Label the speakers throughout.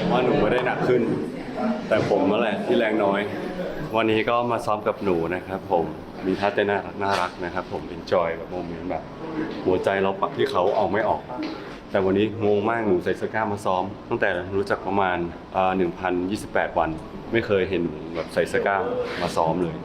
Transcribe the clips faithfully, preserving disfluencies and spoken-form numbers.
Speaker 1: ว่าหนูไม่ได้หนักขึ้น แต่ผมนั่นแหละที่แรงน้อย วันนี้ก็มาซ้อมกับหนูนะครับผมมีท่าเต้นน่ารักน่ารักนะครับผม enjoy แบบโมเมนต์แบบหัวใจเราปักที่เขาเอาไม่ออก แต่วันนี้งงมากหนูใส่เสื้อกล้ามมาซ้อม ตั้งแต่รู้จักประมาณหนึ่งพันยี่สิบแปดวันไม่เคยเห็นแบบใส่เสื้อกล้ามมาซ้อมเลย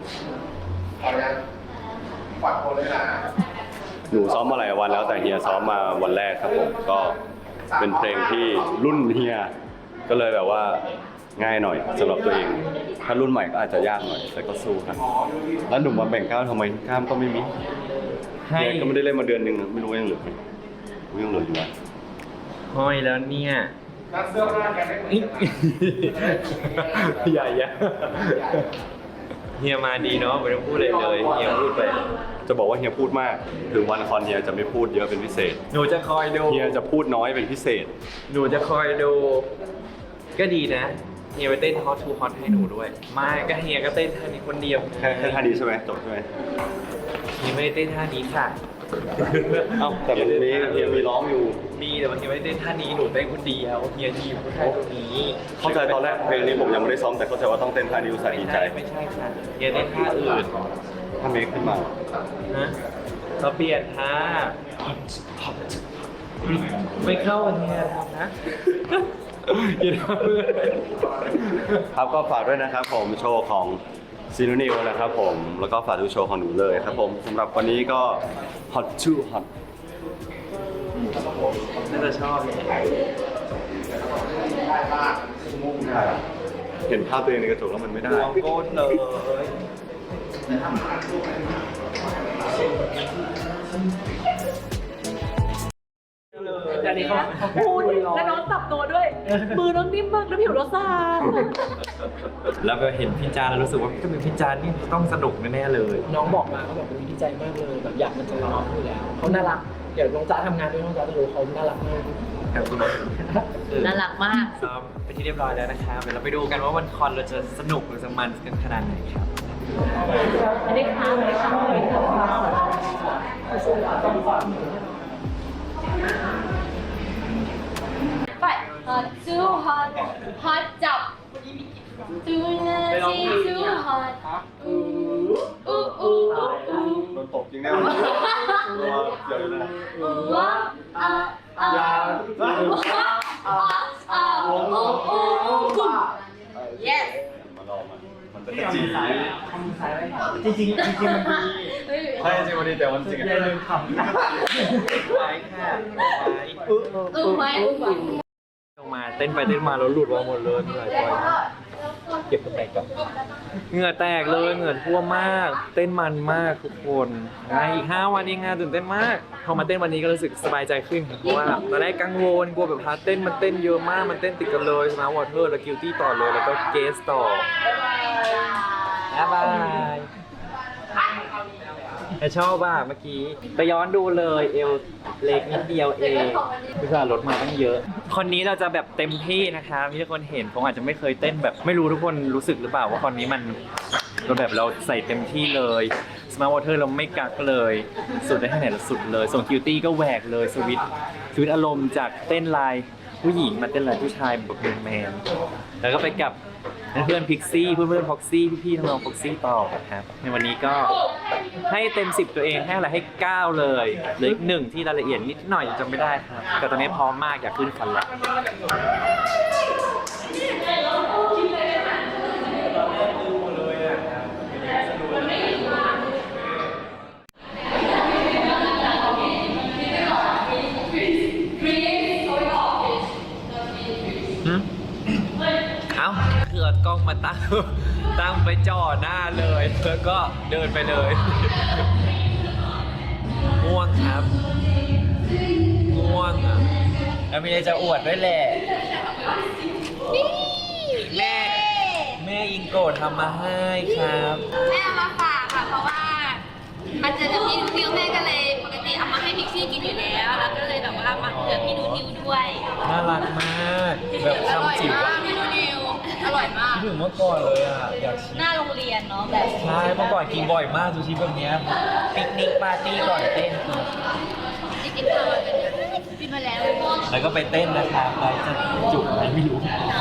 Speaker 1: หนูซ้อมมาหลายวันแล้วแต่เฮียซ้อมมาวันแรกครับผมก็เป็นเพลงที่รุ่นเฮียก็เลยแบบว่าง่ายหน่อยสำหรับตัวเองถ้ารุ่นใหม่ก็อาจจะยากหน่อยแต่ก็สู้ครับแล้วหนุ่มมาแบ่งกล้ามทำไมกล้ามก็ไม่มีเฮียก็ไม่ได้เล่นมาเดือนหนึ่งไม่รู้ยังเหลือไหมยังเหลืออยู่อ่ะ
Speaker 2: ห้อยแล้วเนี่ยใหญ่ยเฮียมาดีเนาะไม่ต้องพูดเลยเลยเฮียพูดไป
Speaker 1: จะบอกว่าเฮียพูดมากถึงวันคอนเฮียจะไม่พูดเยอะเป็นพิเศษ
Speaker 2: หนูจะคอยดู
Speaker 1: เฮียจะพูดน้อยเป็นพิเศษ
Speaker 2: หนูจะคอยดูก็ดีนะเฮียไปเต้นฮอตทูฮอตให้หนูด้วยไม่ก็เฮียก็เต้นท่านี้คนเดียว
Speaker 1: แค่แค่ท่านี้ใช่ไหมจบใช่ไหม
Speaker 2: เฮียไม่ได้เต้นท่านี้ค่ะ
Speaker 1: เอ้าแต่มันมีเฮียมีร้องอยู่
Speaker 2: มีแต่ว่าเฮียไม่ได้เต้นท่านี้หนูเต้นคนเดียวเฮียทีมแค่ตรงนี้
Speaker 1: เข้าใจตอนแรกเพลงนี้ผมยังไม่ได้ซ้อมแต่เข้าใจว่าต้องเต้นท่านี้อุตส่าห์ดีใจ
Speaker 2: ไม่ใช่ค่ะเฮียเต้นท่าอื่น
Speaker 1: ถ้าเมคขึ้นมา
Speaker 2: ฮะเราเปลี่ยนท่าไม่เข้าวันนี้ทำนะ
Speaker 1: ครับก็ฝากด้วยนะครับผมโชว์ของซีนูนิวนะครับผมแล้วก็ฝากดูโชว์ของหนูเลยครับผมสำหรับวันนี้ก็ hot too hot
Speaker 2: น่าจะชอบ
Speaker 1: เห็นภาพตัวเองในกระจกแล้วมันไม่ได้
Speaker 2: วงโก้เลย
Speaker 3: อันนี้เขาพูดแล้วน้องจับตัวด้วยมือน้องนิ่มมากแล้วผิวเราซ่า
Speaker 2: แล้วก็เห็นพี่จานแล้วรู้สึกว่าถ้าเป็นพี่จานนี่ต้องสนุกแน่ๆเลย
Speaker 3: น้องบอกมาเขาแบบดีใจมากเลยแบบอยากมันจะร้องอยู่แล้วเขาน่ารักเดี๋ยวน้องจ้าทำงานด้วยน้องจ้าจะรู้เขาน่ารักมาก
Speaker 4: น่ารักมาก
Speaker 2: ซ้อมไปที่เรียบร้อยแล้วนะครับเดี๋ยวเราไปดูกันว่าวันคอนเราจะสนุกหรือจะมันกันขนาดไหนครับ
Speaker 4: อันนี้ค่ะอันนี้ค่ะไปฮอตจูฮอตฮอตจับจูนาซีจูฮอตอู้อู้อู้อู้
Speaker 1: โดนตบจริงแน่เลยเดี๋ยวนะ
Speaker 4: อู้ว้าอ่าอ่าอ่าอ่าอ่าโอ้โอ้โอ้ yes
Speaker 1: มาลองมันมันเป็นจี
Speaker 2: จริงจริงจริงมันดี
Speaker 1: ใช่จริงวันนี้แต่วันจริง
Speaker 2: อย่าลืมทำไว้ค่ะ
Speaker 4: อู้อู้ไว้อู้ไว้
Speaker 2: ลงมาเต้นไปเต้นมาแล้วหลุดมาหมดเลยเหงื่อจ่อยเก็บกระแตกก่อนเหงื่อแตกเลยเหงื่อท่วมมากเต้นมันมากทุกคนอีกห้าวันเองงานตื่นเต้นมากพอมาเต้นวันนี้ก็รู้สึกสบายใจขึ้นเพราะว่าตอนแรกกังวลกลัวแบบพาเต้นมันเต้นเยอะมากมันเต้นติดกันเลยสมาร์ทวอเตอร์แล้วกิลตี้ต่อเลยแล้วก็เกสต่อบ๊ายบายแต่ชอบอ่ะเมื่อกี้ไปย้อนดูเลยเอวเล็กนิดเดียวเองพิซซ่ารถมาตั้งเยอะคนนี้เราจะแบบเต็มที่นะครับที่ทุกคนเห็นผมอาจจะไม่เคยเต้นแบบไม่รู้ทุกคนรู้สึกหรือเปล่าว่าคนนี้มันเราแบบเราใส่เต็มที่เลยสมาร์ทวอเตอร์เราไม่กักเลยสุดได้แค่ไหนเราสุดเลยส่งคิวตี้ก็แหวกเลยสวิตสวิตอารมณ์จากเต้นลายผู้หญิงมาเต้นลายผู้ชายแบบแมนๆแล้วก็ไปกับเพื่อนพิกซี่เพื่อนเพื่อนพ็อกซี่พี่ๆน้องๆพ็อกซี่ต่อครับในวันนี้ก็ให้เต็มสิบตัวเองให้อะไรให้เก้าเลยเหลืออีกหนึ่งที่รายละเอียดนิดหน่อยจำไม่ได้ครับแต่ตอนนี้พร้อมมากอยากขึ้นคันแล้วคือเอากล้องมาตั้งตั้งไปจ่อหน้าเลยแล้วก็เดินไปเลยง่วงครับง่วงอ่ะแล้วมีอะไรจะอวดด้วยแหละแม่แม่อิงโกะทำมาให้ครับ
Speaker 4: แม่เอามาฝากค่ะเพราะว่ามันจะจะพี่นิวแม่ก็เลยปกติเอามาให้พิกซี่กินอยู่แล้วแล้วก็เลยแบบว่ามาเผื่อพี่นูนิวด้วย
Speaker 2: น่ารักมากแบบทำจิ๋ว
Speaker 4: พี่นูนิวอร่อยมาก
Speaker 2: ถึงเมื่อก่อนเลยอ่ะอยาก
Speaker 4: หน้าโรงเรียนเนาะแบบ
Speaker 2: ใช่เมื่อก่อนกินบ่อยมากซูชิแบบนี้ปิกนิกปาร์ตี้ก่อนเต้น
Speaker 4: จริงๆเราเป็นกินมาแล้ว
Speaker 2: แล้วก็ไปเต้นนะครับไปจะจุกอะไรไม่รู้